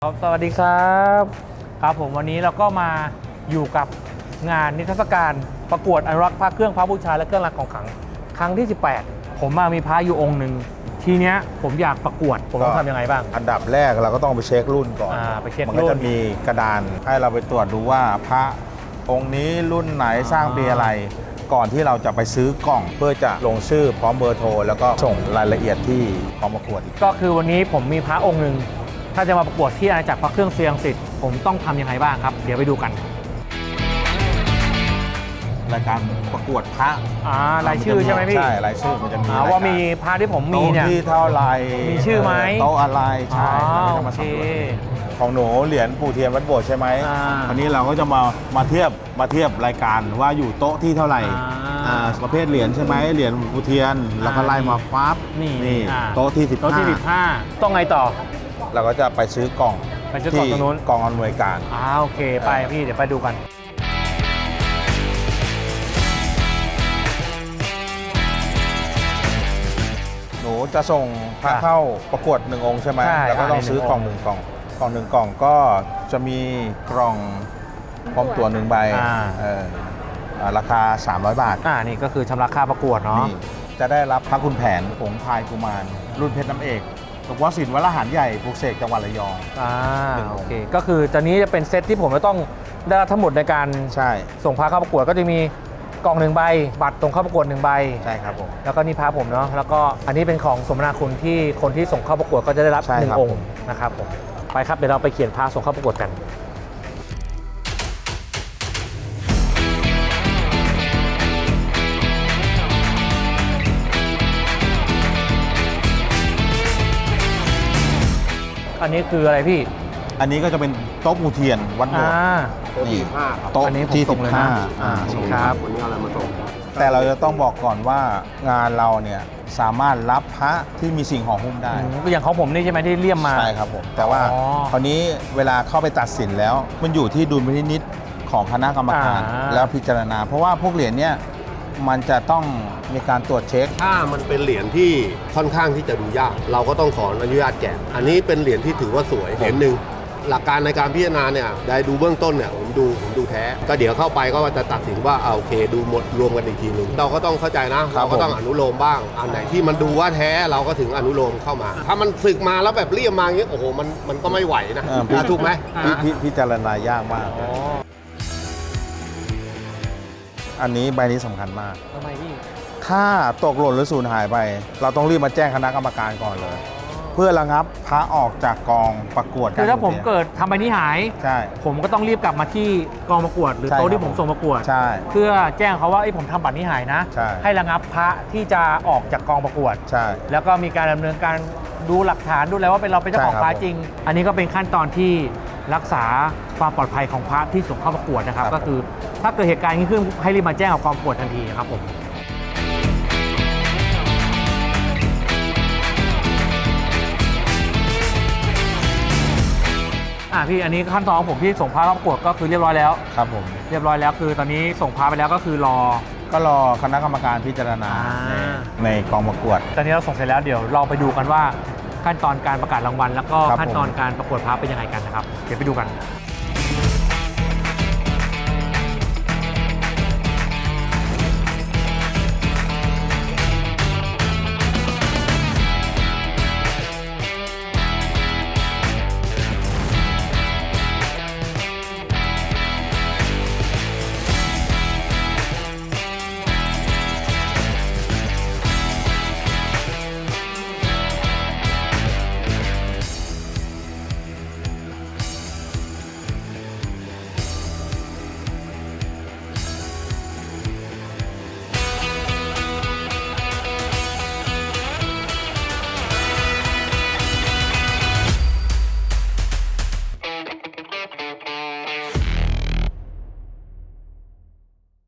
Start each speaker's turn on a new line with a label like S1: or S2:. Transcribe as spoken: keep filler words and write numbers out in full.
S1: ครับสวัสดีครับครับผมวันนี้เราก็มาอยู่กับงานนิทรรศการประกวดอนุรักษ์พระเครื่องพระบูชาและเครื่องรางของขลังครั้งที่สิบแปดผมมามีพระอยู่องค์หนึ่งทีเนี้ยผมอยากประกวดผมต้องทำยังไงบ้าง
S2: อันดับแรกเราก็ต้องไปเช็ครุ่นก่อน
S1: อ่าไปเช็ค
S2: มัน
S1: รุ่
S2: ก็
S1: น
S2: จะมีกระดานให้เราไปตรวจดูว่าพระองค์นี้รุ่นไหนสร้างปีอะไร ก่อนที่เราจะไปซื้อกล่องเพื่อจะลงชื่อพร้อมเบอร์โทรแล้วก็ส่งรายละเอียดที่พร้อมประกวดอีก
S1: ก็คือวันนี้ผมมีพระองค์หนึ่งถ้าจะมาประกวดที่อาณาจักรพระเครื่องเซียงสิทธิ์ผมต้องทำยังไงบ้างครับเดี๋ยวไปดูกัน
S2: รายการประกวดพระ
S1: อ่ารายชื่อใช่ไหมพี่
S2: ใช่รายชื่อมันจะมี
S1: อ่าว่ามีพระที่ผมมี
S2: โต๊ะ
S1: เนี่ย
S2: ที่เท่าไหร
S1: มีชื่อไหม
S2: โต๊ะอะไรใช่
S1: อ๋อ
S2: เราก็จะ
S1: โอ
S2: มา
S1: เค
S2: สำรวจของหนูเหรียญปู่เทียนวัดโบสถ์ใช่ไหม
S1: อ่า
S2: วันนี้เราก็จะมามาเทียบมาเทียบรายการว่าอยู่โต๊ะที่เท่าไหร่
S1: อ่า
S2: อ่าประเภทเหรียญใช่ไหมเหรียญปู่เทียนแล้วก็ไล่มาปั๊บ
S1: นี่
S2: นี่
S1: อ่า
S2: โต๊ะที่สิบ
S1: โต๊ะที่สิบห้าต้องไงต่อ
S2: เราก็จะไปซื้อกล่อง
S1: ไปซื้อกล่องตรงนู้น
S2: กล่องอำนวยการ
S1: อ่าโอเคไปพี่เดี๋ยวไปดูกัน
S2: หนูจะส่งพระ
S1: ค่ะ
S2: เข้าประกวดหนึ่งองค์ใช่ไหม
S1: ใช่
S2: แล้วก็ต้อง
S1: อ่า
S2: ซื้อกล่อง
S1: ห
S2: ห
S1: นึ่
S2: นึ่
S1: ง
S2: งกล่องกล่องหนึ่งกล่องก็จะมีกล่องพร้อมตั๋วหนึ่งใบ
S1: อ่า
S2: เอออ่าราคา สามร้อย บาท
S1: อ่านี่ก็คือชำระค่าประกวดเนาะ
S2: นี่จะได้รับพระคุณแผนผงพายกุมาร รุ่นเพชรน้ำเอกหลวงพ่อสินวัดละหารใหญ่ปลูกเสกจังหวัดระยอง
S1: อ่า
S2: หนึ่งองค์
S1: โอเคก็คือตอนนี้จะเป็นเซตที่ผมจะต้องได้รับทั้งหมดในการ
S2: ใช่
S1: ส่งพาเข้าประกวดก็จะมีกล่องหนึ่งใบ บัตรตรงเข้าประกวดหนึ่งใบ
S2: ใช่ครับผม
S1: แล้วก็นี่พาผมเนาะแล้วก็อันนี้เป็นของสมนาคุณที่คนที่ส่งเข้าประกวดก็จะได้รับ
S2: ใช่
S1: หนึ่
S2: ครั
S1: ง
S2: บ
S1: องค์นะครับผมไปครับเดี๋ยวเราไปเขียนพาส่งเข้าประกวดกัน อันนี้คืออะไรพี่
S2: อันนี้ก็จะเป็นโต๊ะปูเทียนวัดโบ
S1: อ่า
S2: สถ์นี่
S3: ห้าครับ
S2: โต๊ะ
S1: อันนี้ผม
S2: ที่
S1: ส่
S2: สิ
S1: ง
S2: บ
S1: เลย
S2: ห้า
S1: นะ
S2: อ่า
S1: อ่า
S2: ส่ง
S1: ครับ
S3: วันนี้เอาอะไรมาส่ง
S2: แต่เราจะต้องบอกก่อนว่างานเราเนี่ยสามารถรับพระที่มีสิ่งห่อหุ้มได้
S1: อืมก็อย่างของผมนี่ใช่ไหมที่เลี่ยมมา
S2: ใช่ครับผม แต่ว่า
S1: อ๋อ
S2: คราวนี้เวลาเข้าไปตัดสินแล้ว มันอยู่ที่ดุลพินิจของคณะกรรมการ
S1: อ่า
S2: แล้วพิจารณา เพราะว่าพวกเหรียญเนี่ยมันจะต้องมีการตรวจเช็ค
S3: ถ้ามันเป็นเหรียญที่ค่อนข้างที่จะดูยาก เราก็ต้องขออนุญาตแกะอันนี้เป็นเหรียญที่ถือว่าสวยเหรียญหนึ่งหลักการในการพิจารณาเนี่ยได้ดูเบื้องต้นเนี่ยผมดูผมดูแท้ ก็เดี๋ยวเข้าไปก็จะตัดสินว่าเอาโอเคดูหมดรวมกันอีกทีหนึ่งเราก็ต้องเข้าใจนะ
S2: ครั
S3: เรา
S2: บ
S3: ก็ต้องอนุโลมบ้างอันไหนที่มันดูว่าแท้เราก็ถึงอนุโลมเข้ามา ถ้ามันสึกมาแล้วแบบเลี่ยมมาอย่างเงี้ยโอ้โหมันมันก็ไม่ไหวนะ
S2: เออพี่
S3: อ่ะถูกไหม
S2: พิ
S3: อ่ะ
S2: พิพิจารณายากมาก
S1: อ๋อ
S2: อันนี้ใบนี้สำคัญมาก
S1: ทำไมพี่
S2: ถ้าตกหล่นหรือสูญหายไป เราต้องรีบมาแจ้งคณะกรรมการก่อนเลย เพื่อระงับพระออกจากกองประกวด
S1: คือถ้าผม
S2: กร
S1: เกิดทำใบนี้หาย
S2: ใช่
S1: ผมก็ต้องรีบกลับมาที่กองประกวด หรือ
S2: ใช่
S1: โต๊ะ
S2: ครับ
S1: ที่ผมส่งประกวด
S2: ใช่
S1: เพื่อแจ้งเขาว่าไอ้ยผมทำบัตรนี้หายนะ
S2: ใช่
S1: ให้ระงับพระที่จะออกจากกองประกวด
S2: ใช่
S1: แล้วก็มีการดำเนินการดูหลักฐานดูแล้วว่าเป็นเราเป็นเจ้าของ
S2: ใช่ครับ
S1: พระจริง อันนี้ก็เป็นขั้นตอนที่รักษาความปลอดภัยของพระที่ส่งเข้าประกวดนะครับ
S2: ครับ
S1: ก็คือถ้าเกิดเหตุการณ์นี้ขึ้นให้รีบมาแจ้งกับกองประกวดทันทีนะครับผมอ่ะพี่อันนี้ขั้นตอนของผมที่ส่งพระเข้าประกวดก็คือเรียบร้อยแล้ว
S2: ครับผม
S1: เรียบร้อยแล้วคือตอนนี้ส่งพาไปแล้วก็คือรอ
S2: ก็รอคณะกรรมการพิจารณา
S1: อ่า
S2: ในในกองประกวด
S1: ตอนนี้เราส่งเสร็จแล้วเดี๋ยวเราไปดูกันว่าขั้นตอนการประกาศรางวัลแล้วก็
S2: ครับ
S1: ขั้นตอน
S2: ผม
S1: การประกวดพาเป็นยังไงกันนะครับเดี๋ยวไปดูกัน